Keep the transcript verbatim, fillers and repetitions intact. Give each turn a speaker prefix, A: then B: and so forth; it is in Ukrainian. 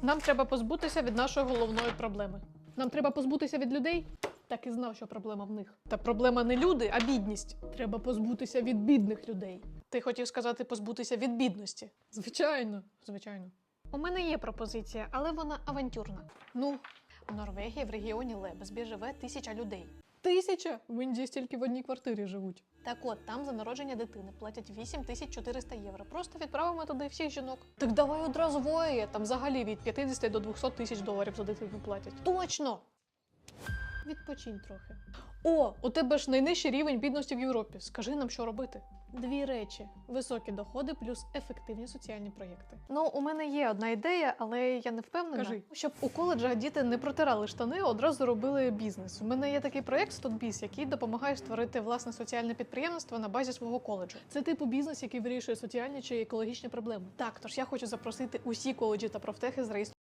A: Нам треба позбутися від нашої головної проблеми. Нам треба позбутися від людей? Так і знав, що проблема в них. Та проблема не люди, а бідність. Треба позбутися від бідних людей. Ти хотів сказати позбутися від бідності? Звичайно, звичайно. У мене є пропозиція, але вона авантюрна. Ну, в Норвегії в регіоні Лебезбі живе тисяча людей. Тисяча? В Індії стільки в одній квартирі живуть. Так от, там за народження дитини платять вісім тисяч чотириста євро. Просто відправимо туди всіх жінок. Так давай одразу воє. Там взагалі від п'ятдесят до двохсот тисяч доларів за дитину платять. Точно! Відпочинь трохи. О, у тебе ж найнижчий рівень бідності в Європі. Скажи нам, що робити. Дві речі. Високі доходи плюс ефективні соціальні проєкти. Ну, у мене є одна ідея, але я не впевнена. Кажи. Щоб у коледжах діти не протирали штани, одразу робили бізнес. У мене є такий проєкт «Стотбіз», який допомагає створити власне соціальне підприємство на базі свого коледжу. Це типу бізнес, який вирішує соціальні чи екологічні проблеми. Так, тож я хочу запросити усі коледжі та профтехи з реєстру.